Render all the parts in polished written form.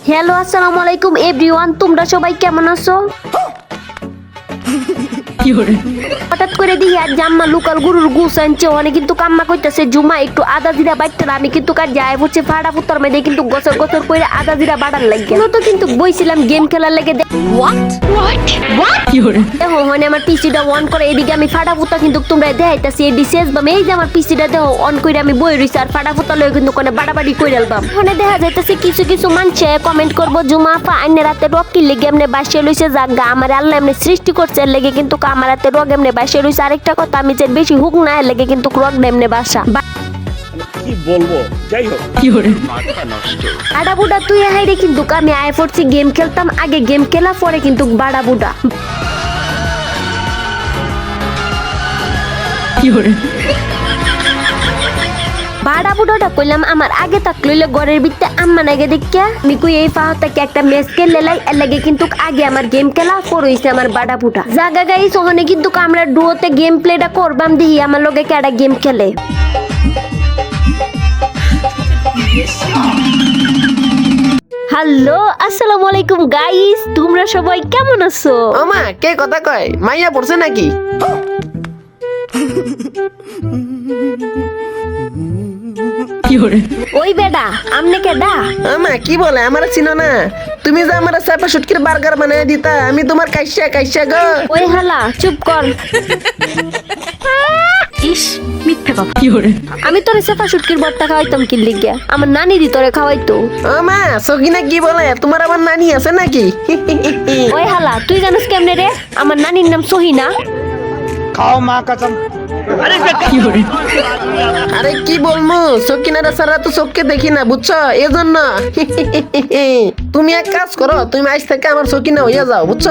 Hello আসসালামু আলাইকুম everyone, তোমরা সবাই কেমন আছো? হঠাৎ করে দিই আর জাম্মা লোকাল গরুর গুছ আনছে, অনেক কিন্তু কাম্মা কইতাছে জুমা একটু আদা জিরা বাইটতে। আমি কিন্তু কাজ যায় হচ্ছে ফাড়া ফুটার মধ্যে কিন্তু গছর গছর করে আদা জিরা বাড়ার লাগে তো কিন্তু বইছিলাম গেম খেলার লাগে। দেখো মানে আমার পিসিটা অন করে এদিকে আমি ফাটা ফুটা কিন্তু তোমরা দেখাইতাছি এডি শেষ বাম। এই যে আমার পিসিটা দেখো অন করে আমি বই রইছি আর ফাটা ফুটা লয়ে কিন্তু কোনে বাড়াবাড়ি কইরা আলবাম। মানে দেখা যাইতাছে কিছু কিছু মানুষে কমেন্ট করবো জুমা আপা আইনে রাতে রক কি লেগে এমনি বাসে লইছে জাগা আমার আল্লাহ এমনি সৃষ্টি করছে এর লেগে কিন্তু আমার রাতে রক এমনি বাসে লইছে। আরেকটা কথা আমি যে বেশি হুক না এর লেগে কিন্তু রক এমনি বাসা কি বলবো, যাই হোক মাথা নষ্ট। বাড়া বুড়া তুই হাইরে কিন্তু আমি আই পড়ছি গেম খেলতাম, আগে গেম খেলা পরে কিন্তু বাড়া বুড়া বাড়া বুড়োটা কইলাম আমার আগে তাক লইলে ঘরের ভিতরে আম্মা নাগে দেখিয়া আমি কই এই ফাহতাকে একটা ম্যাচ খেলে লাই এর লাগে কিন্তু আগে আমার গেম খেলা পড়ইছে আমার বাড়া বুড়া জাগা গাইস। ওখানে কিন্তু আমরা ডুয়োতে গেম প্লেটা করবাম দেখি আমার লগে কেডা গেম খেলে। হ্যালো আসসালামু আলাইকুম গাইস, তোমরা সবাই কেমন আছো? ওমা কে কথা কয়, মাইয়া পড়ছে নাকি? ওই বেডা আমনে কেডা? আমা কি বলে, আমার চিনো না? তুমি যে আমার চাপা শুটকির বার্গার বানায় দিতা, আমি তোমার কাইসা কাইসা গো। ওই হালা চুপ কর। ইস মিথ্যা কথা। আমি তোরে সেফা শুটকির বট্টা খাওয়াইতাম কি লিগা? আমার নানি দি তোরে খাওয়াইতো। ওমা সকিনা কি বলে, তোমার আবার নানি আছে নাকি? ওই হালা তুই জানিস কেমনে রে? আমার নানির নাম সহিনা। খাও মা কসম। আরে কি বলবো, সকিনারা সারা তো চোখকে দেখি না বুঝছো, এজন্য। তুমি এক কাজ করো, তুমি আজ থেকে আমার সকিনা হইয়া যাও বুঝছো।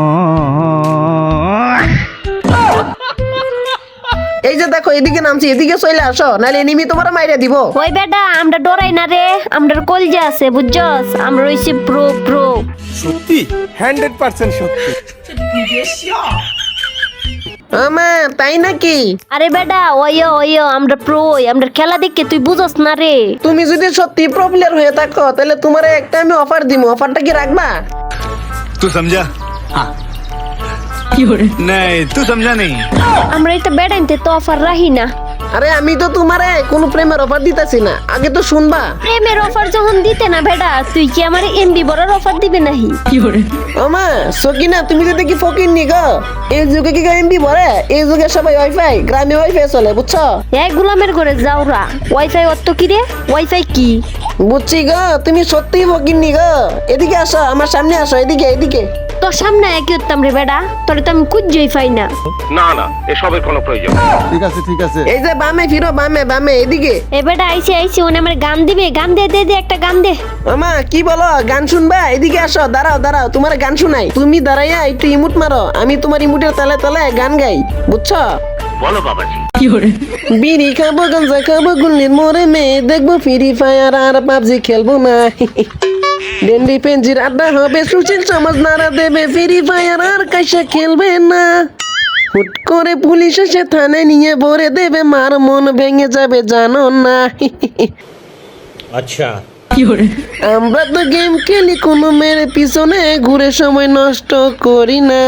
এই যে দেখো এদিকে নামছি, এদিকে চলে আসো নাহলে এনিমি তোমার মাইরা দিব। ওই বেডা আমরা ডরাই না রে, আমরা কলজা আছে বুঝছস, আমরা হইছি প্রো প্রো। সত্যি 100% সত্যি। আমা তাই নাকি? আরে বেডা ওইও ওইও আমরা প্রো, আমরা খেলা দেখে তুই বুঝস না রে। তুমি যদি সত্যি প্রো প্লেয়ার হয়ে থাকো তাহলে তোমার একটা আমি অফার দিব, অফারটা কি রাখবা? तू समझा? हाँ। नहीं तू समझा नहीं। আমরা এটা বেডাইতে তো অফার রাহি না। আরে আমি তো তোমারে কোনো প্রেমের অফার দিতেছি না, আগে তো শুনবা। প্রেমের অফার যখন দিতে না বেডা, তুই কি আমার এমবি বড়র অফার দিবে নাহি? ওমা সকিনা তুমি যদি কি ফকির নি গো, এই যুগে কি এমবি ভরে? এই যুগে সবাই ওয়াইফাই, গ্রামে ওয়াইফাই চলে বুঝছো। এই গোলামের ঘরে যাওরা ওয়াইফাই অত কি রে? ওয়াইফাই কি? বুঝছি গো, তুমি সত্যিই ফকির নি গো। এদিকে আসো, আমার সামনে আসো, এদিকে এদিকে। তোর সামনে একই উত্তম রে বেডা, তোরে তো আমি খুঁজেই পাই না। না না, এসবের কোনো প্রয়োজন নেই। ঠিক আছে ঠিক আছে। এই যে বামে ফিরো, বামে বামে এদিকে। এ বেডা আইছে আইছে, ওনে আমার গান দিবে, গান দে দে দে একটা গান দে। আমা কি বলো, গান শুনবা? এদিকে আসো, দাঁড়াও দাঁড়াও, তোমার গান শুনাই। তুমি দাঁড়াইয়া একটু ইমুট মারো, আমি তোমার ইমুটের তালে তালে গান গাই বুঝছো। বলো বাবাজি। বিড়ি খাবো, গাঞ্জা খাবো, গুল্লির মোড়ে মেয়ে দেখবো, ফ্রি ফায়ার আর পাবজি খেলবো না। ডেন্ডি পেঞ্জির আড্ডা হবে, সুশীল সমাজ নাড়া দেবে, ফ্রি ফায়ার আর কাইসা খেলবে না। হুট করে পুলিশ এসে থানায় নিয়ে ভরে দেবে, মার মন ভেঙে যাবে জানো না। আচ্ছা আমরা তো গেম খেলি, কোনো মেয়ের পিছনে ঘুরে সময় নষ্ট করি না।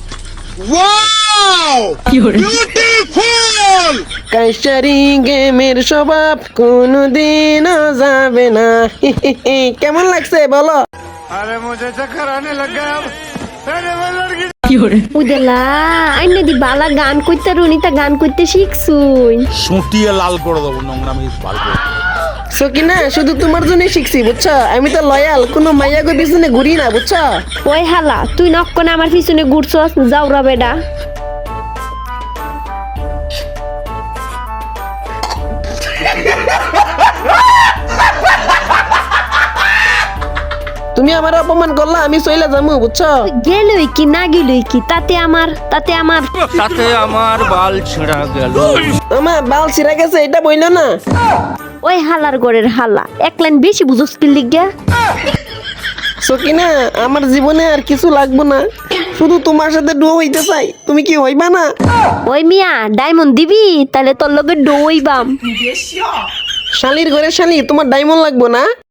কাইসারি গেমের স্বভাব কোনদিনও যাবে না। কেমন লাগছে বলো? अरे मुझे चक्कर आने लग गया अब। अरे वो लड़की উদেলা আইনে দি বালা গান কইতে রুনিতা গান কইতে শিখছুই। সুটিয়ে লাল করে দেবো, নোংরামি ভালো করে। সকিনা শুধু তোমার জন্য শিখছি বুঝছো, আমি তো লয়াল, কোনো মাইয়াগো পিছনে ঘুরি না বুঝছো। ওই হালা তুই নক্কনে আমার পিছনে ঘুরছস, যাওরা বেডা। তুমি আমার অপমান করলা, আমি চইলা যাবো বুঝছো। গেলই কি না গেলই কি তাতে আমার তাতে আমার বাল ছিঁড়া গেল। আমার বাল ছিঁড়া গেছে এটা বইলো না। ওই হালার গড়ের হালা এক লাইন বেশি বুঝস কি লিগা। সকিনা আমার জীবনে আর কিছু লাগবো না, শুধু তোমার সাথে ডো হইতে চাই, তুমি কি হইবা না? ওই মিয়া ডায়মন্ড দিবি তাহলে তোর লগে ডো হইবাম। শালির ঘরে শালি, তোমার ডায়মন্ড লাগবো না?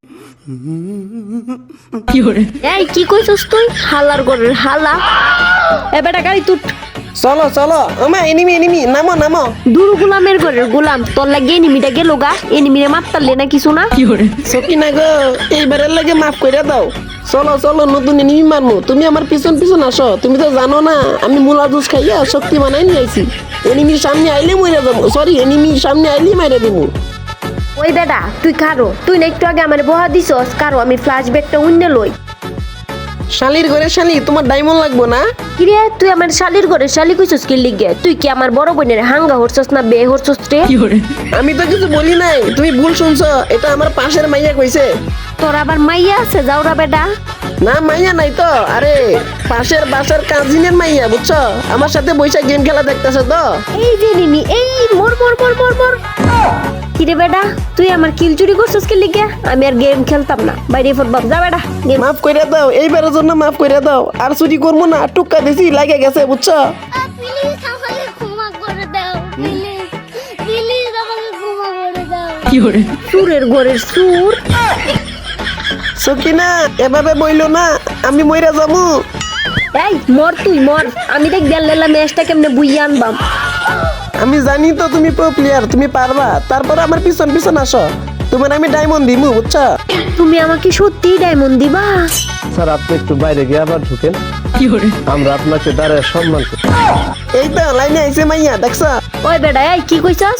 এই কি কইছস তুই হালার ঘরের হালা এ বেটা গাড়ি তুট চলো চলো আমা এনিমি এনিমি নামো নামো দূর গোলামের ঘরের গোলাম তোর লাগে এনিমিটা গেল গা এনিমিরে মারতারলে না কিছু না সকিনা গো এইবারের লাগে মাফ কইরা দাও চলো চলো নতুন এনিমি মারমু তুমি আমার পিছন পিছন আসো তুমি তো জানো না আমি মুলা জুস খাইয়া শক্তি বানাই নিয়ে আইছি এনিমির সামনে আইলে মইরা যাবো সরি এনিমির সামনে আইলে মাইরা দেবো ওই বেটা তুই কারো তুই না একটু আগে আমার বহা দিছস কারো আমি ফ্ল্যাশব্যাকটা উন্নে লই শালির ঘরে শালি তোমার ডায়মন্ড লাগবো না কিরে তুই আমার শালির ঘরে শালি কইছস কি লিগে তুই কি আমার বড় বোনের হাঙ্গা হরছস না বে হরছস রে আমি তো কিছু বলি নাই তুমি ভুল শুনছো এটা আমার পাশের মাইয়া কইছে তোর আবার মাইয়া আছে যাওরা বেটা না মাইয়া নাই তো আরে পাশের বাসার কাজিনের মাইয়া বুঝছো আমার সাথে বৈশা গেম খেলা দেখতেছে তো এই যে নিনি এই মোর মোর মোর মোর মোর কিরে বেটা তুই আমার কিল চুরি করছস কি লিগে আমি আর গেম খেলতাম না বাইরে ফুটবল যা বেটা গেম মাফ কইরা দাও এইবারের জন্য মাফ কইরা দাও আর চুরি করবো না টুক্কা দিছি লাগে গেছে বুঝছো প্লিজ আমাকে ক্ষমা করে দাও প্লিজ প্লিজ আমাকে ক্ষমা করে দাও সুরের ঘরের সুর সকিনা এভাবে বইলো না আমি মইরা যাবো এই মর তুই মর আমি দেখ দেল্লা ম্যাচটা কেমনে বুইয়া আনবাম আমি জানি তো তুমি প্রো প্লেয়ার তুমি পারবা তারপর আমার পিছন পিছন আসো তোমার আমি ডায়মন্ড দিমু বুঝছো তুমি আমাকে সত্যি ডায়মন্ড দিবা স্যার আপনি একটু বাইরে গিয়ে আবার ঢুকেন আমরা আপনাকে দাঁড়ায় সম্মান করি এই তো লাইনে আইছে মাইয়া দেখছো ওই বেটা এই কি কইছস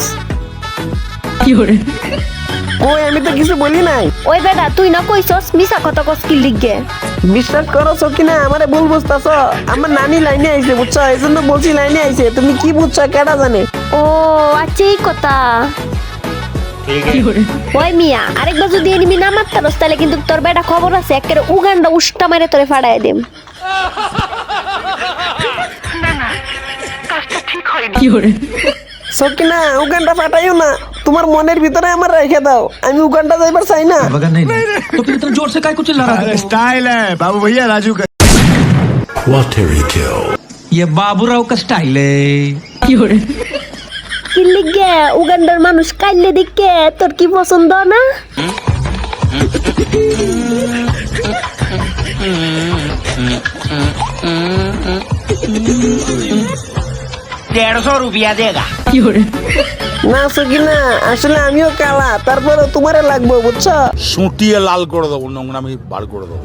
ওই আমি তো কিছু বলি নাই ওই বেটা তুই না কইছস মিছা কথা কস কি লিগে বিশ্বাস করো সকিনা আমারে ভুল বুঝতাছো আমার নানি লাইনে আইছে বুঝছো এই জন্য বলছি লাইনে আইছে তুমি কি বুঝছো কেডা জানে ও আচ্ছা এই কথা ওই মিয়া আরেকবার যদি এনিমি না মারতারস তাহলে কিন্তু তোর বেটা খবর আছে একেবারে উগান্ডা উষ্টা মেরে তোরে ফাড়ায় দেম সকিনা উগানটা ফাটাইও না তোমার মনের ভিতরে আমার রেখে দাও আমি উগানটা যাইবার চাই না मगर नहीं तो फिर इतना जोर से काय को चिल्ला रहा था स्टाइल है बाबू भैया राजू का ये बाबूराव का स्टाइल है কি লিগে উগান্ডার মানুষ কাইলে দিকে তোর কি পছন্দ না না সকিনা আসলে আমিও কালা তারপরে তোমারে লাগবো বুঝছো সুটিয়ে লাল করে দেবো নোংরামি বার করে দেবো